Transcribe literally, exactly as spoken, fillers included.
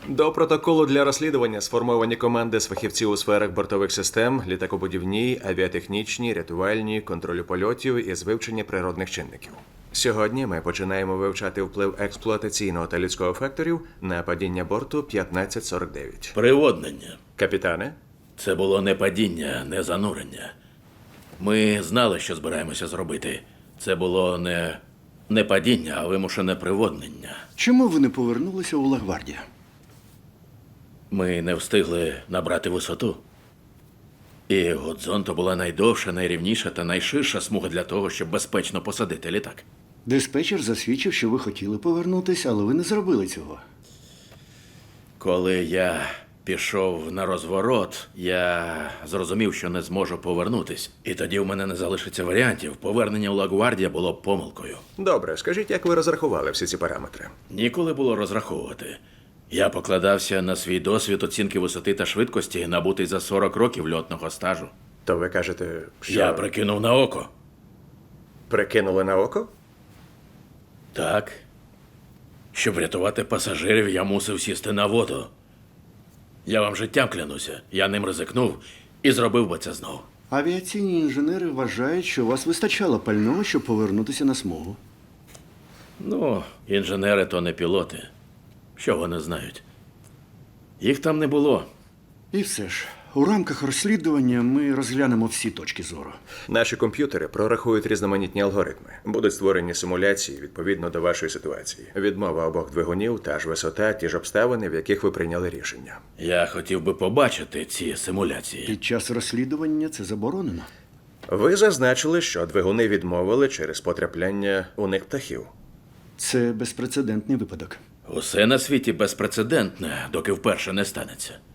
До протоколу для розслідування сформовані команди з фахівців у сферах бортових систем, літакобудівній, авіатехнічній, рятувальній, контролю польотів і з вивчення природних чинників. Сьогодні ми починаємо вивчати вплив експлуатаційного та людського факторів на падіння борту п'ятнадцять сорок дев'ять. Приводнення. Капітане, Це було не падіння, не занурення. Ми знали, що збираємося зробити. Це було не, не падіння, а вимушене приводнення. Чому ви не повернулися у Лагвардію? Ми не встигли набрати висоту. І Годзон то була найдовша, найрівніша та найширша смуга для того, щоб безпечно посадити літак. Диспетчер засвідчив, що ви хотіли повернутися, але ви не зробили цього. Коли я пішов на розворот, я зрозумів, що не зможу повернутись. І тоді в мене не залишиться варіантів. Повернення у Лагвардія було б помилкою. добре, скажіть, як ви розрахували всі ці параметри? Ніколи було розраховувати. Я покладався на свій досвід оцінки висоти та швидкості, набутий за сорок років льотного стажу. То ви кажете, що Я прикинув на око. прикинули на око? Так. Щоб врятувати пасажирів, я мусив сісти на воду. Я вам життям клянуся. Я ним ризикнув і зробив би це знов. Авіаційні інженери вважають, що у вас вистачало пального, щоб повернутися на смугу. Ну, інженери то не пілоти. Що вони знають? Їх там не було. І все ж, у рамках розслідування ми розглянемо всі точки зору. Наші комп'ютери прорахують різноманітні алгоритми. Будуть створені симуляції відповідно до вашої ситуації. Відмова обох двигунів, та ж висота, ті ж обставини, в яких ви прийняли рішення. Я хотів би побачити ці симуляції. Під час розслідування це заборонено. Ви зазначили, що двигуни відмовили через потрапляння у них птахів. Це безпрецедентний випадок. Усе на світі безпрецедентне, доки вперше не станеться.